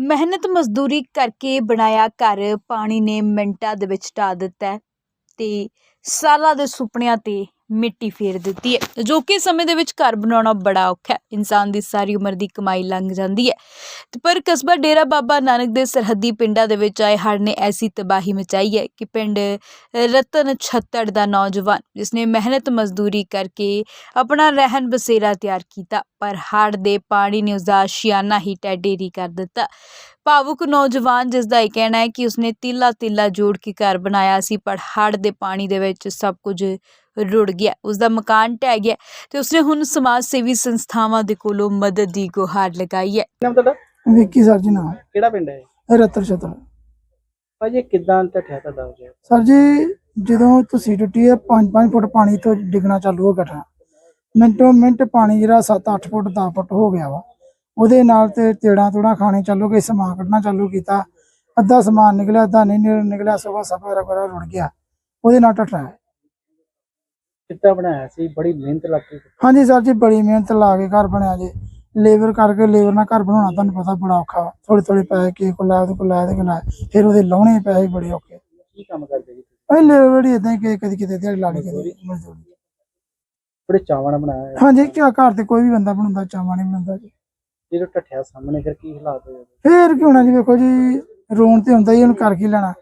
ਮਿਹਨਤ ਮਜ਼ਦੂਰੀ ਕਰਕੇ ਬਣਾਇਆ ਘਰ ਪਾਣੀ ਨੇ ਮਿੰਟਾਂ ਦੇ ਵਿੱਚ ਢਾਹ ਦਿੱਤਾ ਹੈ ਤੇ ਸਾਲਾਂ ਦੇ ਸੁਪਨਿਆਂ ਤੇ ਮਿੱਟੀ ਫੇਰ ਦਿੱਤੀ ਹੈ। ਜੋ ਕਿ ਸਮੇਂ ਦੇ ਵਿੱਚ ਘਰ ਬਣਾਉਣਾ ਬੜਾ ਔਖਾ ਹੈ। ਇਨਸਾਨ ਦੀ ਸਾਰੀ ਉਮਰ ਦੀ ਕਮਾਈ ਲੰਘ ਜਾਂਦੀ ਹੈ ਤੇ ਪਰ ਕਸਬਾ ਡੇਰਾ ਬਾਬਾ ਨਾਨਕ ਦੇ ਸਰਹੱਦੀ ਪਿੰਡਾਂ ਦੇ ਵਿੱਚ ਆਏ ਹੜ੍ਹ ਨੇ ਐਸੀ ਤਬਾਹੀ ਮਚਾਈ ਹੈ ਕਿ ਪਿੰਡ ਰਤਨ ਛੱਤੜ ਦਾ ਨੌਜਵਾਨ ਜਿਸਨੇ ਮਿਹਨਤ ਮਜ਼ਦੂਰੀ ਕਰਕੇ ਆਪਣਾ ਰਹਿਣ ਬਸੇਰਾ ਤਿਆਰ ਕੀਤਾ, ਪਰ ਹੜ੍ਹ ਦੇ ਪਾਣੀ ਨੇ ਉਸਦਾ ਆਸ਼ੀਆਨਾ ਹੀ ਢਹਿ ਕਰ ਦਿੱਤਾ। ਭਾਵੁਕ ਨੌਜਵਾਨ ਜਿਸ ਦਾ ਇਹ ਕਹਿਣਾ ਹੈ ਕਿ ਉਸਨੇ ਤੀਲਾ ਜੋੜ ਕੇ ਘਰ ਬਣਾਇਆ ਸੀ, ਪਰ ਹੜ੍ਹ ਦੇ ਪਾਣੀ ਦੇ ਵਿੱਚ ਸਭ ਕੁਝ ਰੁੜ ਗਿਆ। ਉਸਦਾ ਮਕਾਨ ਢਹਿ ਗਿਆ ਤੇ ਉਸਨੇ ਹੁਣ ਸਮਾਜ ਸੇਵੀ ਸੰਸਥਾਵਾਂ ਦੇ ਕੋਲੋਂ ਮਦਦ ਦੀ ਗੁਹਾਰ ਲਗਾਈ ਹੈ। ਨਾਮ ਤੁਹਾਡਾ? ਵਿੱਕੀ ਸਰ ਜੀ ਨਾਮ ਹੈ। ਕਿਹੜਾ ਪਿੰਡ ਹੈ ਰਤਨ ਛਤਰ। ਭਾਜੀ ਕਿੱਦਾਂ ਢੱਠਿਆ ਤੁਹਾਡਾ ਹੋ ਗਿਆ? ਸਰ ਜੀ ਜਦੋਂ ਤੁਸੀਂ ਟੁੱਟੀ ਹੈ 5-5 ਫੁੱਟ ਪਾਣੀ ਤੋਂ ਡਿੱਗਣਾ ਚਾਲੂ ਹੋ ਗਿਆ। ਮਿੰਟੋ ਮਿੰਟ ਪਾਣੀ ਜਿਹੜਾ 7-8 ਫੁੱਟ 10 ਫੁੱਟ ਹੋ ਗਿਆ ਵਾ। ਉਹਦੇ ਨਾਲ ਤੇ ਤੇੜਾਂ ਖਾਣੇ ਚਾਲੂ ਗਏ, ਸਮਾਨ ਕੱਢਣਾ ਚਾਲੂ ਕੀਤਾ। ਅੱਧਾ ਸਮਾਨ ਨਿਕਲਿਆ, ਅੱਧਾ ਨਹੀਂ ਨਿਕਲਿਆ। ਸਫਾ ਰਗੜਾ ਰੁੜ ਗਿਆ। ਉਹਦੇ ਨਾਲ ਢੱਠਾ ਹੈ। ਕਿੱਦਾਂ ਬਣਾਇਆ ਸੀ? ਬੜੀ ਮਿਹਨਤ ਲੱਗ ਗਈ। ਹਾਂਜੀ ਸਰ ਜੀ, ਬੜੀ ਮਿਹਨਤ ਲਾ ਕੇ ਘਰ ਬਣਿਆ ਜੀ। ਲੇਬਰ ਕਰਕੇ ਲੇਬਰ ਨਾਲ ਘਰ ਬਣਾਉਣਾ ਤੁਹਾਨੂੰ ਪਤਾ ਬੜਾ ਔਖਾ ਵਾ। ਥੋੜੇ ਪੈਸੇ ਕਿਸੇ ਕੋਲ ਲਾਇਆ, ਉਹਦੇ ਕੋਲ ਲਾਇਆ, ਉਹਦੇ ਕੋਲ ਲਾਇਆ, ਫਿਰ ਉਹਦੇ ਲਾਉਣੇ ਪੈਸੇ ਬੜੇ ਔਖੇ। ਕੀ ਕੰਮ ਕਰਦੇ ਜੀ? ਅਸੀਂ ਲੇਬਰ ਹੀ ਏਦਾਂ ਹੀ ਕਦੀ ਕਿਤੇ ਦਿਹਾੜੀ ਲਾ ਲਈ, ਕਦੀ ਮਜ਼ਦੂਰੀ। ਬੜੇ ਚਾਵਾਂ ਨਾਲ ਬਣਾਇਆ ਹਾਂਜੀ, ਘਰ ਤੇ ਕੋਈ ਵੀ ਬੰਦਾ ਬਣਾਉਂਦਾ, ਚਾਵਾਂ ਨਹੀਂ ਬਣਾਉਂਦਾ ਜੀ। ਜਦੋਂ ਢੱਠਿਆ ਸਾਹਮਣੇ ਫਿਰ ਕੀ ਹਾਲਾਤ ਹੋਏ? ਫੇਰ ਕੀ ਹੋਣਾ ਜੀ, ਵੇਖੋ ਜੀ ਰੋਣ ਤੇ ਹੁੰਦਾ ਹੀ, ਉਹਨੂੰ ਕਰ ਕੀ ਲੈਣਾ।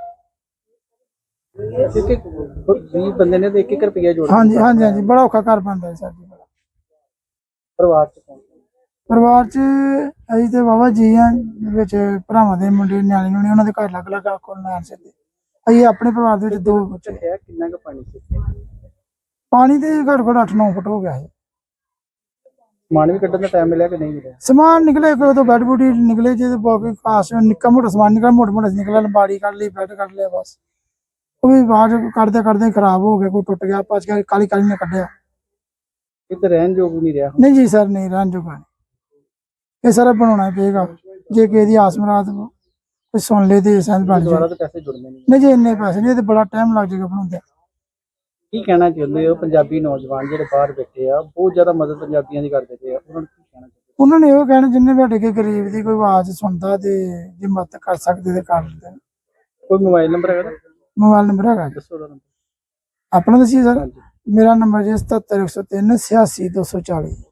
ਕਿਉਂਕਿ 20 ਬੰਦੇ ਨੇ ਤੇ 1-1 ਰੁਪਇਆ ਜੋੜ ਹਾਂਜੀ, ਬੜਾ ਔਖਾ ਘਰ ਬਣਦਾ ਸਰ ਜੀ। ਪਰਿਵਾਰ ਚ ਕੌਣ? ਪਰਿਵਾਰ ਚ ਅਸੀਂ ਤੇ ਵਾਹਵਾ ਜੀ ਆ, ਵਿੱਚ ਭਰਾਵਾਂ ਦੇ ਮੁੰਡੇ ਨਿਆਣੇ ਨੂੰ ਉਹਨਾਂ ਦੇ ਘਰ ਲੱਗ ਕੋਲ ਲੈਣ ਸਿੱਧੇ। ਅਸੀਂ ਆਪਣੇ ਪਰਿਵਾਰ ਦੇ ਵਿੱਚ 2 ਬੱਚੇ। ਕਿੰਨਾ ਕੁ ਪਾਣੀ ਸੀ? ਪਾਣੀ ਤੇ ਘੱਟ 8-9 ਫੁੱਟ ਹੋ ਗਿਆ ਹੈ। ਸਮਾਨ ਵੀ ਕੱਢਣ ਦਾ ਟਾਈਮ ਮਿਲਿਆ ਕਿ ਨਹੀਂ ਮਿਲਿਆ? ਸਮਾਨ ਨਿਕਲੇ, ਕੋਈ ਤੋਂ ਬੈੱਡ ਬੂਟੀ ਨਿਕਲੇ ਜੇ, ਬਾਕੀ ਖਾਸ ਨਿੱਕਾ ਮੋਟਾ ਸਮਾਨ ਨਿਕਲਿਆ, ਮੋਟਾ ਨਿਕਲਿਆ। ਲੰਬਾੜੀ ਕੱਢ ਲਈ, ਬੈੱਡ ਕੱਢ ਲਿਆ, ਬਸ ਉਹ ਵੀ ਬਾਹਰ ਕੱਢਦੇ ਖਰਾਬ ਹੋ ਗਿਆ, ਕੋਈ ਟੁੱਟ ਗਿਆ, ਭੱਜ ਗਿਆ, ਕਾਲੀ ਨੇ ਕੱਢਿਆ। ਕਿਤੇ ਰਹਿਣ ਯੋਗ ਨਹੀਂ ਰਿਹਾ? ਨਹੀਂ ਜੀ ਸਰ, ਨਹੀਂ ਰਹਿਣ ਜੋਗਾ ਨਹੀਂ। ਇਹ ਸਾਰਾ ਬਣਾਉਣਾ ਪਏਗਾ। ਜੇ ਕਿਸੇ ਦੀ ਆਸ ਮਰਾਦ ਕੋਈ ਸੁਣ ਲੇ ਤੇ ਬਣ ਜਾਏ। ਦੁਬਾਰਾ ਤਾਂ ਪੈਸੇ ਜੁੜਨੇ ਨਹੀਂ ਜੀ, ਇੰਨੇ ਪੈਸੇ ਨਹੀਂ, ਤੇ ਬੜਾ ਟਾਈਮ ਲੱਗ ਜਾਏਗਾ ਬਣਾਉਂਦੇ। ਕੀ ਕਹਿਣਾ ਚਾਹੁੰਦੇ ਹੋ? ਪੰਜਾਬੀ ਨੌਜਵਾਨ ਜਿਹੜੇ ਬਾਹਰ ਬੈਠੇ ਆ, ਬਹੁਤ ਜ਼ਿਆਦਾ ਮਦਦ ਪੰਜਾਬੀਆਂ ਦੀ ਕਰਦੇ ਪਏ ਆ, ਉਹਨਾਂ ਨੂੰ ਕੀ ਕਹਿਣਾ ਚਾਹੁੰਦੇ? ਉਹਨਾਂ ਨੇ ਇਹੋ ਕਹਿਣਾ, ਜਿੰਨੇ ਵੀ ਸਾਡੇ ਕੇ ਗਰੀਬ ਦੀ ਕੋਈ ਆਵਾਜ਼ ਸੁਣਦਾ ਤੇ ਜੇ ਮਦਦ ਕਰ ਸਕਦੇ ਤੇ ਕਰ ਦਿੰਦੇ। ਕੋਈ ਮੋਬਾਈਲ ਨੰਬਰ ਹੈਗਾ? ਮੋਬਾਈਲ ਨੰਬਰ ਹੈਗਾ ਜੀ। ਦੱਸੋ ਉਹਦਾ ਨੰਬਰ। ਆਪਣਾ ਦੱਸੀਏ ਸਰ? ਹਾਂਜੀ। ਮੇਰਾ ਨੰਬਰ ਜੀ 77 103 86 240।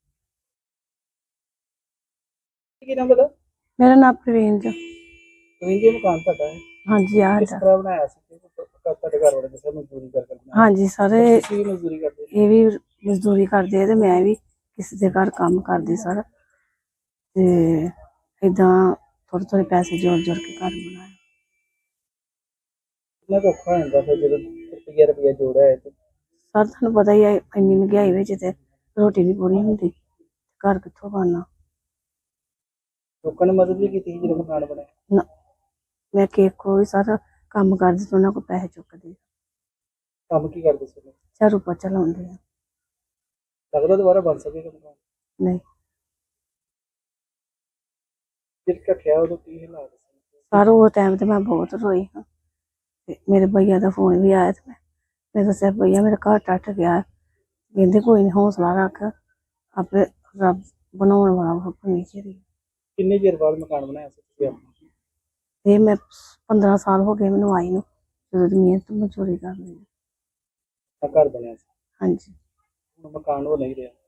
ਕੀ ਨਾਮ ਤੁਹਾਡਾ? ਮੇਰਾ ਨਾਮ ਪ੍ਰਵੀਨ ਜੀ। ਪ੍ਰਵੀਨ ਜੀ, ਮਕਾਨ ਤੁਹਾਡਾ ਹੈ? ਹਾਂਜੀ ਆ ਕਿਸ ਤਰ੍ਹਾਂ ਬਣਾਇਆ ਸੀ? ਤੁਹਾਡੇ ਘਰ ਵਾਲੇ ਦੱਸਿਆ ਮਜ਼ਦੂਰੀ ਕਰਕੇ ਬਣਾਇਆ? ਹਾਂਜੀ ਸਾਰੇ ਤੁਸੀਂ ਵੀ ਮਜ਼ਦੂਰੀ ਕਰਦੇ? ਇਹ ਵੀ ਮਜ਼ਦੂਰੀ ਕਰਦੇ ਆ ਤੇ ਮੈਂ ਵੀ ਕਿਸੇ ਦੇ ਘਰ ਕੰਮ ਕਰਦੀ ਸਰ, ਤੇ ਏਦਾਂ ਥੋੜੇ ਪੈਸੇ ਜੋੜ ਕੇ ਘਰ ਬਣਾਇਆ। ਕਿੰਨਾ ਕੁ ਔਖਾ ਹੋ ਜਾਂਦਾ ਫਿਰ ਜਦੋਂ ਰੁਪਈਆ ਜੋੜਿਆ ਹੈ ਤੇ? ਸਰ ਤੁਹਾਨੂੰ ਪਤਾ ਹੀ ਹੈ, ਇੰਨੀ ਮਹਿੰਗਾਈ ਵਿੱਚ ਤੇ ਰੋਟੀ ਨਹੀਂ ਪੂਰੀ ਹੁੰਦੀ, ਘਰ ਕਿੱਥੋਂ ਬਣਨਾ। ਲੋਕਾਂ ਨੇ ਮਦਦ ਵੀ ਕੀਤੀ ਸੀ ਜਦੋਂ ਮਕਾਨ ਬਣਿਆ? ਮੈਂ ਕੋਈ ਸਰ ਕੰਮ ਕਰਦੀ ਤੇ ਉਹਨਾਂ ਕੋਲ ਪੈਸੇ ਚੁੱਕਦੀ। ਕੰਮ ਕੀ ਕਰਦੇ ਸੀ? ਝਾੜੂ ਪੋਚਾ ਲਾਉਂਦੇ ਆ। ਲੱਗਦਾ ਦੁਬਾਰਾ ਬਣ ਸਕੇਗਾ ਮਕਾਨ? ਨਹੀਂ ਜਿਸ ਢੱਠਿਆ ਉਦੋਂ ਕੀ ਹਾਲਾਤ ਸੀ? ਸਰ ਉਹ ਟਾਈਮ ਤੇ ਮੈਂ ਬਹੁਤ ਰੋਈ ਹਾਂ। ਤੇ ਮੇਰੇ ਭਈਆ ਦਾ ਫੋਨ ਵੀ ਆਇਆ ਤੇ ਮੈਂ ਦੱਸਿਆ, ਭਈਆ ਮੇਰਾ ਘਰ ਟੱਟ ਗਿਆ। ਕਹਿੰਦੇ ਕੋਈ ਨਹੀਂ, ਹੌਸਲਾ ਰੱਖ, ਆਪੇ ਰੱਬ ਬਣਾਉਣ ਵਾਲਾ ਨੀਚੇ ਦੀ। ਕਿੰਨੇ ਚਿਰ ਬਾਅਦ ਮਕਾਨ ਬਣਾਇਆ ਸੀ ਤੁਸੀਂ ਆਪਣਾ? ਇਹ ਮੈਂ 15 ਸਾਲ ਹੋ ਗਏ ਮੈਨੂੰ ਆਈ ਨੂੰ, ਜਦੋਂ ਦੀ ਮਿਹਨਤ ਮਜ਼ਦੂਰੀ ਕਰ ਲਈ। ਘਰ ਬਣਿਆ ਸੀ? ਹਾਂਜੀ। ਹੁਣ ਮਕਾਨ ਉਹ ਨਹੀਂ ਰਿਹਾ।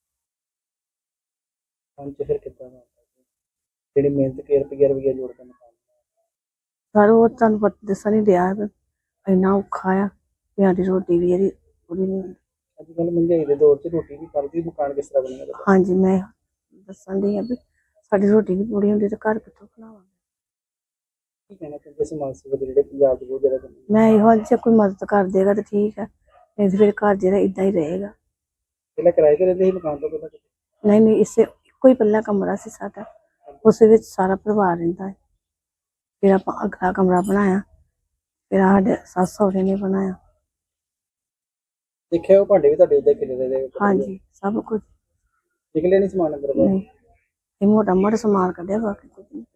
ਹੁਣ ਫਿਰ ਕਿੱਦਾਂ ਦਾ ਜਿਹੜੀ ਮਿਹਨਤ ਕੇ ਰੁਪਈਆ ਜੋੜ ਕੇ ਮਕਾਨ? ਸਰ ਉਹ ਤੁਹਾਨੂੰ ਪਤਾ ਦੱਸਣ ਨਹੀਂ ਰਿਹਾ, ਇੰਨਾ ਔਖਾ ਆ ਵੀ ਸਾਡੀ ਰੋਟੀ ਵੀ ਇਹਦੀ ਪੂਰੀ ਨਹੀਂ ਹੁੰਦੀ। ਅੱਜ ਕੱਲ੍ਹ ਮਹਿੰਗਾਈ ਦੇ ਦੌਰ 'ਚ ਰੋਟੀ ਵੀ ਕਰਦੀ, ਮਕਾਨ ਕਿਸ ਤਰ੍ਹਾਂ ਬਣੇਗਾ? ਹਾਂਜੀ, ਮੈਂ ਦੱਸਣ ਦੀ ਆ ਵੀ ਸਾਡੀ ਰੋਟੀ ਨਹੀਂ ਪੂਰੀ ਹੁੰਦੀ ਤੇ ਘਰ ਕਿੱਥੋਂ ਬਣਾਵਾਂਗੇ। ਕੀ ਕਹਿਣਾ ਚਾਹੁੰਦੇ ਸਮਾਜ ਸੇਵਕ ਜਿਹੜੇ ਪੰਜਾਬ 'ਚ ਬਹੁਤ ਜ਼ਿਆਦਾ ਕਰਦੇ? ਮੈਂ ਇਹੋ ਜੇ ਕੋਈ ਮਦਦ ਕਰ ਦੇਗਾ ਤਾਂ ਠੀਕ ਹੈ, ਨਹੀਂ ਤੇ ਫਿਰ ਘਰ ਜਿਹੜਾ ਇਦਾਂ ਹੀ ਰਹੇਗਾ। ਪਹਿਲਾਂ ਕਿਰਾਏ ਤੇ ਰਹਿੰਦੇ ਸੀ ਮਕਾਨ ਤੋਂ ਪਹਿਲਾਂ? ਨਹੀਂ ਇਸੇ ਇੱਕੋ ਹੀ ਪਹਿਲਾ ਕਮਰਾ ਸੀ ਸਾਡਾ, ਉਸ ਵਿੱਚ ਸਾਰਾ ਪਰਿਵਾਰ ਰਹਿੰਦਾ ਹੈ। ਫਿਰ ਆਪਾਂ ਅਗਲਾ ਕਮਰਾ ਬਣਾਇਆ, ਫਿਰ ਸਾਡੇ ਸੱਸ ਸਹੁਰੇ ਨੇ ਬਣਾਇਆ। ਦੇਖਿਆ ਉਹ ਭਾਂਡੇ ਵੀ ਤੁਹਾਡੇ ਇੱਦਾਂ ਖਿਲਰੇ ਦੇ? ਹਾਂਜੀ, ਸਭ ਕੁਝ। ਨਿਕਲੇ ਨਹੀਂ ਸਮਾਨ ਅੰਦਰ ਬਾਹਰ? ਨਹੀਂ, ਇਹ ਮੋਟਾ ਸਮਾਨ ਕੱਢਿਆ, ਬਾਕੀ ਕੁਝ ਨਹੀਂ।